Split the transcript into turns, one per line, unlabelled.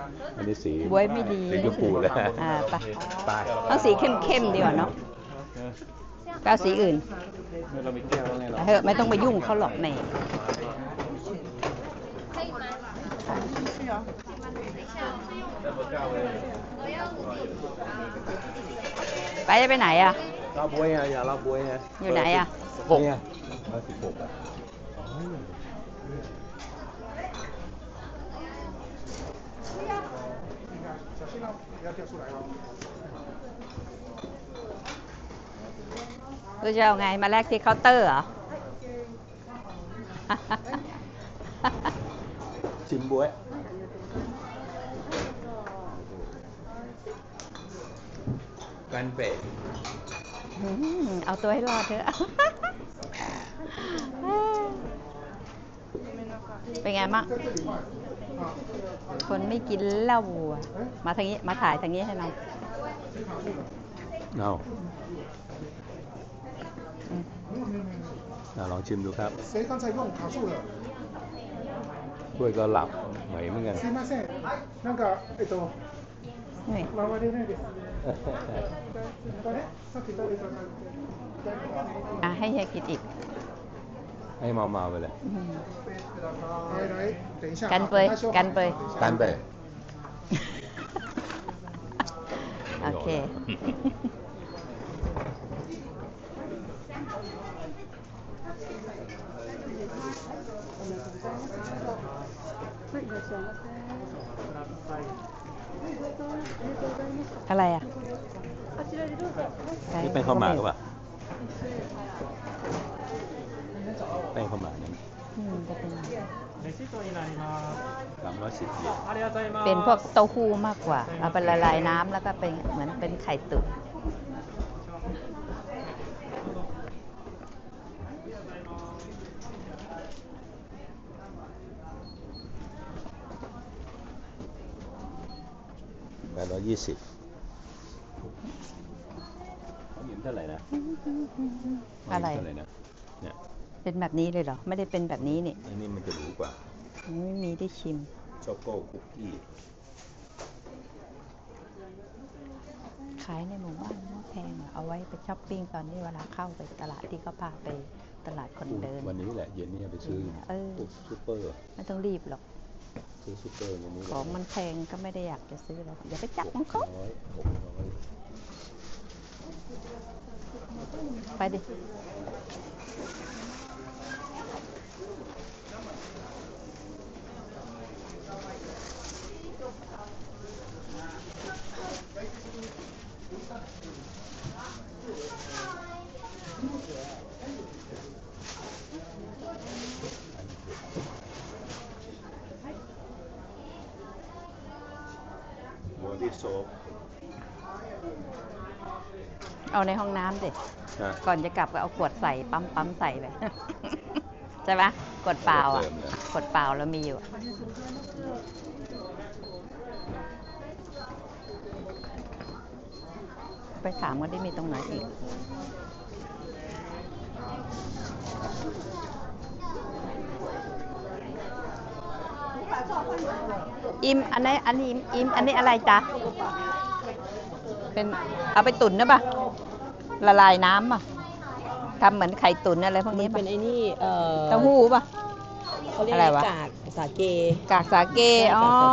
อันนี้สี
บวยไม่ดี
สีชมพูแล้ว
ไป
ไป
ต้องสีเข้มๆดีกว่าเนาะก็เอาสีอื่น
เรามีแก้วแล้วไงเรา
เถอะไม่ต้องไปยุ่งเขาหรอกในไปจะไปไหนอ่ะ
ลาบวยไงอย่าลาบวยไง
อยู่ไหนอ่ะ
เนี่ย
116อ่ะ
กูจะเอาไงมาแลกที่เคาน์เตอร์เหรอ
ชิมบวย
กันเป็ด
เอาตัวให้รอดเถอะ เป็นไงบ้างคนไม่กินเหล้าอะมาทางนี้ มาถ่ายทางนี้ให้หน่อย
เอาลองชิมดูครับด้วยก็หลับเหมยเหมือนกัน
นี่ ให้เฮียกินอีก
ให้เมาๆไปเลย
กันเปยกันเปย
กันเป็ด
โอเค อะไรอ่ะ
นี่เป็นข้าวหมากหรือเปล่าแป้งข้าวหมากนี่
จะเป็น
310 เยน
เป็นพวกเต้าหู้มากกว่า เอาไปละลายน้ำแล้วก็เป็นเหมือนเป็นไข่ตุ๋น
820เขาหยิบเท่าไหร่นะ
อะไร
เท่าไหร่นะเนี่ย
เป็นแบบนี้เลยเหรอ ไม่ได้เป็นแบบนี้นี่
อันนี้มันจะหรูกว่า
ไม่มีได้ชิม
ช็อกโก้คุกกี้
ขายในหมู่บ้านไม่แพงอะเอาไว้ไปช้อปปิ้งตอนที่เวลาเข้าไปตลาดที่เขาพาไปตลาดคนเดิน
วันนี้แหละเย็นนี้ไปซื้อ
เออ
พวกซูเปอร์
ไม่ต้องรีบหรอก
ซื้อซูเปอร์วันนี้
ของมันแพงก็ไม่ได้อยากจะซื้อแล้วอย่าไปจับของเขา
600
ไปดิ
บอดี้โซฟ
เอาในห้องน้ำสิ
นะ
ก่อนจะกลับก็เอาขวดใส่ปั๊มใส่ไป ใช่ไหมขวดเปล่าอ่ะขวดเปล่าเรามีอยู่ไปถามว่าได้มีตรงไหนอีกอิมอันนี้อิมอันนี้อะไรจ๊ะเป็นเอาไปตุ๋นนะป่ะละลายน้ำป่ะทำเหมือนไข่ตุ๋นอะไรพวกนี้
เป็
ป่ะ
นไอ้นี่
เต้าหู้ป่ะ
เขาเรียก
อะไรวะ
กากสาเก
กากสาเกอ๋อ